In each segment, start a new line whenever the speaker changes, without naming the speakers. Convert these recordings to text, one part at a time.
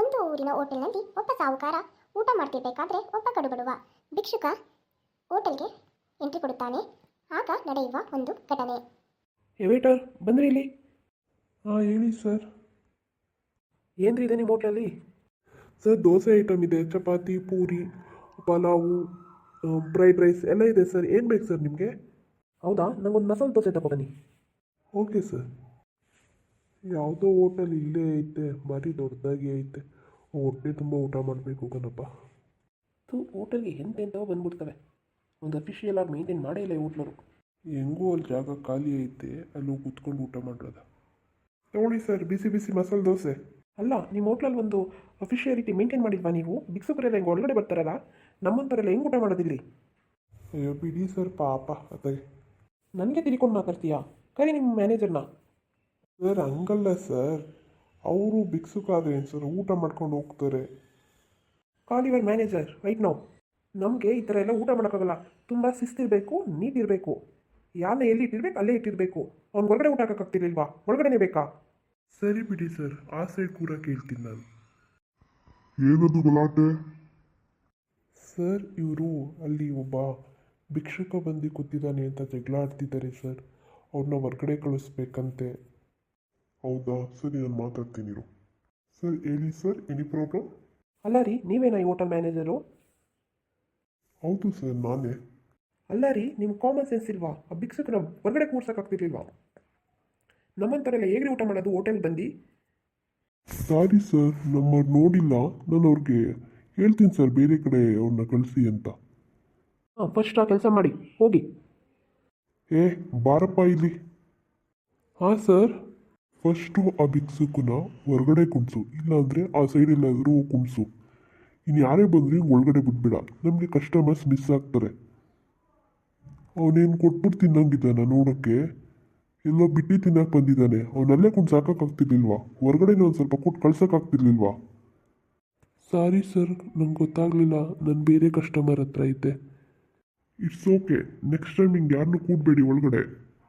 ಒಂದು ಊರಿನ ಹೋಟೆಲ್ನಲ್ಲಿ ಒಬ್ಬ ಸಾಹುಕಾರ ಊಟ ಮಾಡ್ತಿರ್ಬೇಕಾದ್ರೆ ಒಬ್ಬ ಕಡುಬಡುವ ಭಿಕ್ಷುಕ ಹೋಟೆಲ್ಗೆ ಎಂಟ್ರಿ ಕೊಡುತ್ತಾನೆ. ಆಗ ನಡೆಯುವ ಒಂದು ಘಟನೆ.
ವೇಟರ್ ಬಂದ್ರಿ ಇಲ್ಲಿ.
ಹಾಂ ಹೇಳಿ ಸರ್.
ಏನ್ರಿ ಇದೆ ನಿಮ್ಮ ಹೋಟ್ಲಲ್ಲಿ?
ಸರ್ ದೋಸೆ ಐಟಮ್ ಇದೆ, ಚಪಾತಿ, ಪೂರಿ, ಪಲಾವು, ಫ್ರೈಡ್ ರೈಸ್ ಎಲ್ಲ ಇದೆ ಸರ್. ಏನು ಬೇಕು ಸರ್ ನಿಮಗೆ?
ಹೌದಾ, ನಂಗೊಂದು ಮಸಾಲೆ ದೋಸೆ ತಗೊಬನ್ನಿ.
Okay sir. ಯಾವುದೋ ಹೋಟೆಲ್ ಇಲ್ಲೇ ಐತೆ, ಭಾರಿ ದೊಡ್ಡದಾಗಿ ಐತೆ. ಹೊಟ್ಟೆ ತುಂಬ ಊಟ ಮಾಡಬೇಕು ಕಣಪ್ಪ.
ಹೋಟೆಲ್ಗೆ ಎಂತೆಂಥವು ಬಂದ್ಬಿಡ್ತವೆ. ಒಂದು ಅಫಿಷಿಯಲ್ ಆಗಿ ಮೇಂಟೈನ್ ಮಾಡೇ ಇಲ್ಲ ಈ ಹೋಟ್ಲರು.
ಹೆಂಗೂ ಅಲ್ಲಿ ಜಾಗ ಖಾಲಿ ಐತೆ, ಅಲ್ಲಿ ಕೂತ್ಕೊಂಡು ಊಟ ಮಾಡೋದ. ನೋಡಿ ಸರ್, ಬಿಸಿ ಬಿಸಿ ಮಸಾಲೆ ದೋಸೆ.
ಅಲ್ಲ, ನಿಮ್ಮ ಹೋಟ್ಲಲ್ಲಿ ಒಂದು ಅಫಿಷಿಯಾಲಿಟಿ ಮೇಂಟೈನ್ ಮಾಡಿದ್ವಾ ನೀವು? ಭಿಕ್ಷುಕರೆಲ್ಲ ಹೆಂಗೆ ಒಳಗಡೆ ಬರ್ತಾರಲ್ಲ, ನಮ್ಮಂಥವರೆಲ್ಲ ಹೆಂಗೆ ಊಟ ಮಾಡೋದಿಲ್ಲಿ?
ಅಯ್ಯೋ ಬಿಡಿ ಸರ್, ಪಾಪ ಅದಾಗೆ.
ನನಗೆ ತಿಳ್ಕೊಂಡು ಮಾತಾಡ್ತೀಯಾ? ಕರಿ ನಿಮ್ಮ ಮ್ಯಾನೇಜರ್ನ.
ಸರ್ ಹಂಗಲ್ಲ ಸರ್, ಅವರು ಭಿಕ್ಷುಕಾದ್ರೆ ಏನು ಸರ್, ಊಟ ಮಾಡ್ಕೊಂಡು ಹೋಗ್ತಾರೆ.
Call your manager right now. ನಮಗೆ ಈ ಥರ ಎಲ್ಲ ಊಟ ಮಾಡೋಕ್ಕಾಗಲ್ಲ. ತುಂಬ ಶಿಸ್ತಿರಬೇಕು, ನೀಟಿರಬೇಕು. ಯಾರನ್ನ ಎಲ್ಲಿ ಇಟ್ಟಿರ್ಬೇಕು ಅಲ್ಲೇ ಇಟ್ಟಿರಬೇಕು. ಅವ್ನು ಹೊರಗಡೆ ಊಟ ಹಾಕೋಕ್ಕಾಗ್ತಿರ್ಲಿಲ್ವಾ? ಒಳಗಡೆನೇ ಬೇಕಾ?
ಸರಿ ಬಿಡಿ ಸರ್, ಆ ಸೈಡ್ ಕೂಡ ಕೇಳ್ತೀನಿ ನಾನು. ಏನದು ಗಲಾಟೆ? ಸರ್ ಇವರು ಅಲ್ಲಿ ಒಬ್ಬ ಭಿಕ್ಷುಕ ಬಂದು ಕೂತಿದ್ದಾನೆ ಅಂತ ಜಗಳ ಆಡ್ತಿದ್ದಾರೆ ಸರ್. ಅವ್ರನ್ನ ಹೊರ್ಗಡೆ ಕಳಿಸ್ಬೇಕಂತೆ. ಹೌದಾ, ಸರಿ ನಾನು ಮಾತಾಡ್ತೀನಿ. ಸರ್ ಹೇಳಿ ಸರ್, ಎನಿ ಪ್ರಾಬ್ಲಮ್?
ಅಲ್ಲ ರೀ, ನೀವೇನಾ ಈ ಹೋಟೆಲ್ ಮ್ಯಾನೇಜರು?
ಹೌದು ಸರ್, ನಾನೇ.
ಅಲ್ಲ ರೀ, ನಿಮ್ಮ ಕಾಮನ್ ಸೆನ್ಸ್ ಇಲ್ವಾ? ಆ ಭಿಕ್ಷುಕನ ಹೊರಗಡೆ ಕೂರ್ಸೋಕ್ಕಾಗ್ತಿರ್ಲಿಲ್ವಾ? ನಮ್ಮಂಥವರೆಲ್ಲ ಹೇಗ್ರಿ ಊಟ ಮಾಡೋದು ಹೋಟೆಲ್ ಬಂದು?
ಸಾರಿ ಸರ್, ನಮ್ಮವ್ರು ನೋಡಿಲ್ಲ. ನಾನು ಅವ್ರಿಗೆ ಹೇಳ್ತೀನಿ ಸರ್, ಬೇರೆ ಕಡೆ ಅವ್ರನ್ನ ಕಳಿಸಿ ಅಂತ.
ಹಾಂ, ಫಸ್ಟ್ ಆ ಕೆಲಸ ಮಾಡಿ ಹೋಗಿ.
ಏ ಬಾರಪ್ಪ ಇಲ್ಲಿ. ಹಾಂ ಸರ್. ಫಸ್ಟು ಆ ಭಿಕ್ಷುಕನ ಹೊರಗಡೆ ಕುಣಿಸು, ಇಲ್ಲಾಂದರೆ ಆ ಸೈಡ್ ಎಲ್ಲಾದರೂ ಕುಣಿಸು. ಇನ್ನು ಯಾರೇ ಬಂದರೂ ಹಿಂಗೆ ಒಳಗಡೆ ಬಿಟ್ಬಿಡ, ನಮಗೆ ಕಸ್ಟಮರ್ಸ್ ಮಿಸ್ ಆಗ್ತಾರೆ. ಅವನೇನು ಕೊಟ್ಬಿಟ್ಟು ತಿನ್ನಂಗಿದ್ದಾನ ನೋಡೋಕ್ಕೆ? ಎಲ್ಲೋ ಬಿಟ್ಟು ತಿನ್ನಕ್ಕೆ ಬಂದಿದ್ದಾನೆ. ಅವನಲ್ಲೇ ಕುಣ್ಸಾಕಾಗ್ತಿರ್ಲಿಲ್ವಾ? ಹೊರಗಡೆನೇ ಒಂದು ಸ್ವಲ್ಪ ಕೊಟ್ಟು ಕಳ್ಸೋಕ್ಕಾಗ್ತಿರ್ಲಿಲ್ವಾ? ಸಾರಿ ಸರ್, ನಂಗೆ ಗೊತ್ತಾಗಲಿಲ್ಲ. ನಾನು ಬೇರೆ ಕಸ್ಟಮರ್ ಹತ್ರ ಇದ್ದೆ. ಇಟ್ಸ್ ಓಕೆ, ನೆಕ್ಸ್ಟ್ ಟೈಮ್ ಹಿಂಗೆ ಯಾರನ್ನೂ ಕೂಡಬೇಡಿ ಒಳಗಡೆ.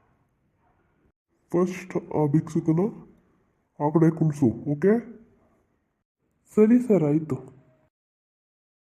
ಫಸ್ಟ್ ಆ ಭಿಕ್ಷುಕನ ಆ ಕಡೆ ಕುಣಿಸು, ಓಕೆ? ಸರಿ ಸರ್, ಆಯಿತು.